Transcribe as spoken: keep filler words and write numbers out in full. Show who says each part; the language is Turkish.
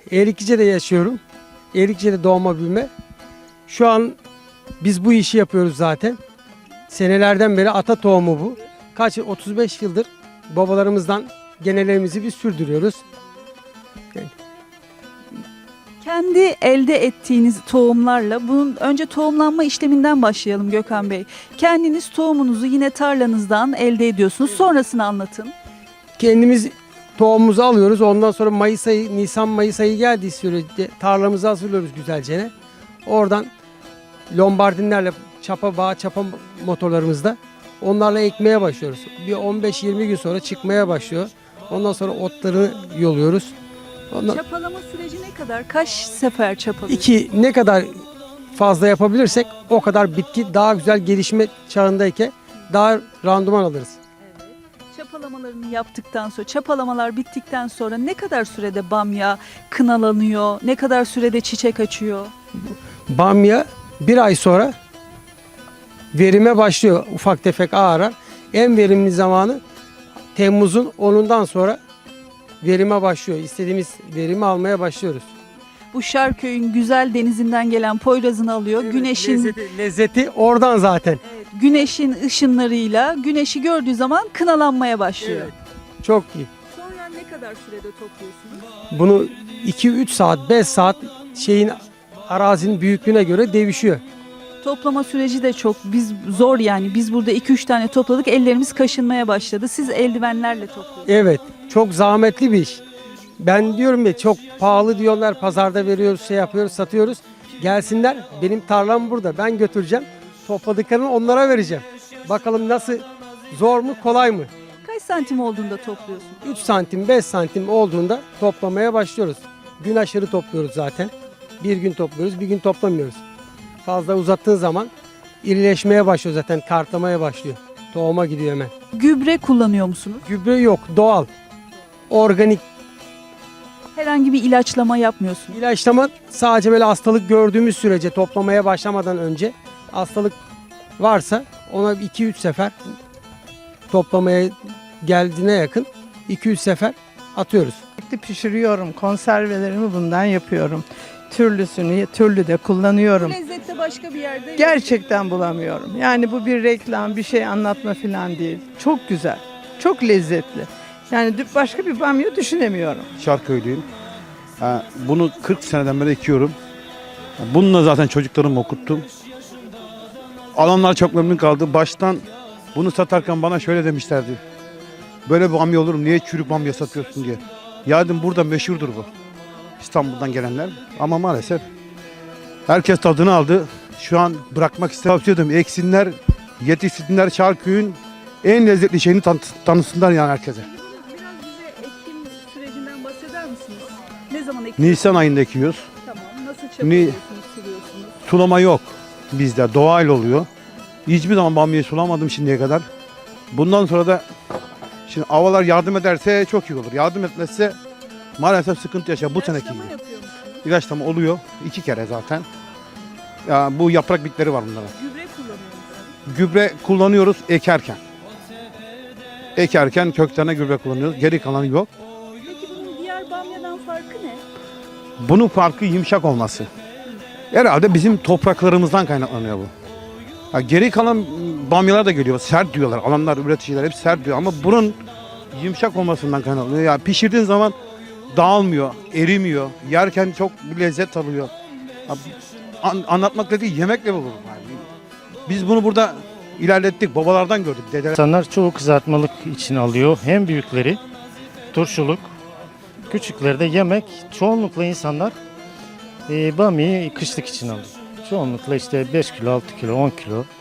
Speaker 1: Eriklice'de yaşıyorum. Eriklice'de doğma büyüme. Şu an biz bu işi yapıyoruz zaten. Senelerden beri ata tohumu bu. Kaç yıl? otuz beş yıldır babalarımızdan genelerimizi biz sürdürüyoruz. Yani
Speaker 2: Kendi elde ettiğiniz tohumlarla, bunun önce tohumlanma işleminden başlayalım Gökhan Bey. Kendiniz tohumunuzu yine tarlanızdan elde ediyorsunuz. Sonrasını anlatın.
Speaker 1: kendimiz tohumumuzu alıyoruz. Ondan sonra Mayıs ayı, Nisan Mayıs ayı geldiği sürece tarlamızı hazırlıyoruz güzelce. Oradan lombardinlerle çapa bağ, çapa motorlarımızda onlarla ekmeye başlıyoruz. Bir on beş yirmi gün sonra çıkmaya başlıyor. Ondan sonra otlarını yoluyoruz. Ondan
Speaker 2: Çapalama süreci ne kadar? Kaç sefer çapalıyorsunuz?
Speaker 1: iki ne kadar fazla yapabilirsek o kadar bitki daha güzel gelişme çağındayken daha randıman alırız.
Speaker 2: Çapalamalarını yaptıktan sonra, çapalamalar bittikten sonra ne kadar sürede bamya kınalanıyor? Ne kadar sürede çiçek açıyor?
Speaker 1: Bamya bir ay sonra verime başlıyor, ufak tefek ağarar. En verimli zamanı Temmuz'un onundan sonra verime başlıyor. İstediğimiz verimi almaya başlıyoruz.
Speaker 2: Bu Şarköy'ün güzel denizinden gelen Poyraz'ını alıyor. güneşin
Speaker 1: lezzeti, lezzeti oradan zaten.
Speaker 2: güneşin ışınlarıyla güneşi gördüğü zaman kınalanmaya başlıyor.
Speaker 1: Evet. Çok iyi.
Speaker 2: Sonra ne kadar sürede topluyorsunuz?
Speaker 1: Bunu iki üç saat, beş saat şeyin arazinin büyüklüğüne göre değişiyor.
Speaker 2: Toplama süreci de çok biz zor yani. Biz burada iki üç tane topladık. Ellerimiz kaşınmaya başladı. Siz eldivenlerle topluyorsunuz.
Speaker 1: Evet, çok zahmetli bir iş. Ben diyorum ya çok pahalı diyorlar, pazarda veriyoruz, şey yapıyoruz, satıyoruz. Gelsinler, benim tarlam burada, ben götüreceğim. Topladıklarını onlara vereceğim. Bakalım nasıl, zor mu, kolay mı?
Speaker 2: Kaç santim olduğunda topluyorsunuz?
Speaker 1: üç santim, beş santim olduğunda toplamaya başlıyoruz. Gün aşırı topluyoruz zaten. Bir gün topluyoruz, bir gün toplamıyoruz. Fazla uzattığın zaman irileşmeye başlıyor zaten, kartlamaya başlıyor. Tohuma gidiyor hemen.
Speaker 2: Gübre kullanıyor musunuz?
Speaker 1: Gübre yok, doğal, organik.
Speaker 2: Herhangi bir ilaçlama yapmıyorsunuz.
Speaker 1: İlaçlama sadece böyle hastalık gördüğümüz sürece, toplamaya başlamadan önce hastalık varsa ona iki üç sefer toplamaya geldiğine yakın iki üç sefer atıyoruz.
Speaker 3: Sürekli pişiriyorum. Konservelerimi bundan yapıyorum. Türlüsünü, türlü de kullanıyorum.
Speaker 2: Lezzette başka bir yerde yok.
Speaker 3: Gerçekten bulamıyorum. Yani bu bir reklam, bir şey anlatma falan değil. Çok güzel, çok lezzetli. Yani dü- başka bir bamya düşünemiyorum.
Speaker 4: Şarköylüyüm. Ha, bunu kırk seneden beri ekiyorum. Bununla zaten çocuklarımı okuttum. Alanlar çok memnun kaldı. Baştan bunu satarken bana şöyle demişlerdi. Böyle bamya olur mu? Niye çürük bamya satıyorsun diye. Ya dedim burada meşhurdur bu. İstanbul'dan gelenler. Ama maalesef herkes tadını aldı. Şu an bırakmak istemiyorum. Eksinler, yetişsinler Şarköy'ün en lezzetli şeyini tan- tanısınlar yani herkese.
Speaker 2: Biraz bize ekim sürecinden bahseder misiniz? Ne zaman ekiyorsunuz?
Speaker 4: Nisan ayında ekiyoruz.
Speaker 2: Tamam. Nasıl çapalıyorsunuz, suluyorsunuz?
Speaker 4: Sulama yok bizde, doğal oluyor. Hiçbir zaman bamyayı sulamadım şimdiye kadar. Bundan sonra da şimdi havalar yardım ederse çok iyi olur. Yardım etmezse maalesef sıkıntı yaşar bu seneki
Speaker 2: İlaçlama
Speaker 4: gibi.
Speaker 2: yapıyor musunuz?
Speaker 4: İlaçlama oluyor iki kere zaten. Ya bu yaprak bitleri var bunlara.
Speaker 2: Gübre kullanıyor musunuz?
Speaker 4: Gübre kullanıyoruz ekerken. Ekerken köklerine gübre kullanıyoruz. Geri kalanı yok.
Speaker 2: Peki bunun diğer bamyadan farkı ne?
Speaker 4: Bunun farkı yumuşak olması. Herhalde bizim topraklarımızdan kaynaklanıyor bu. Ya geri kalan bamyalar da geliyor. Sert diyorlar. Alanlar, üreticiler hep sert diyor. Ama bunun yumuşak olmasından kaynaklanıyor. Ya pişirdiğin zaman dağılmıyor, erimiyor. Yerken çok bir lezzet alıyor. Ya, an- anlatmakla değil, yemekle bulur. Yani biz bunu burada ilerlettik. Babalardan gördük. Dedeler.
Speaker 5: İnsanlar çoğu kızartmalık için alıyor. Hem büyükleri turşuluk, küçükleri de yemek. Çoğunlukla insanlar e, bamyayı kışlık için alıyor. Çoğunlukla işte beş kilo, altı kilo, on kilo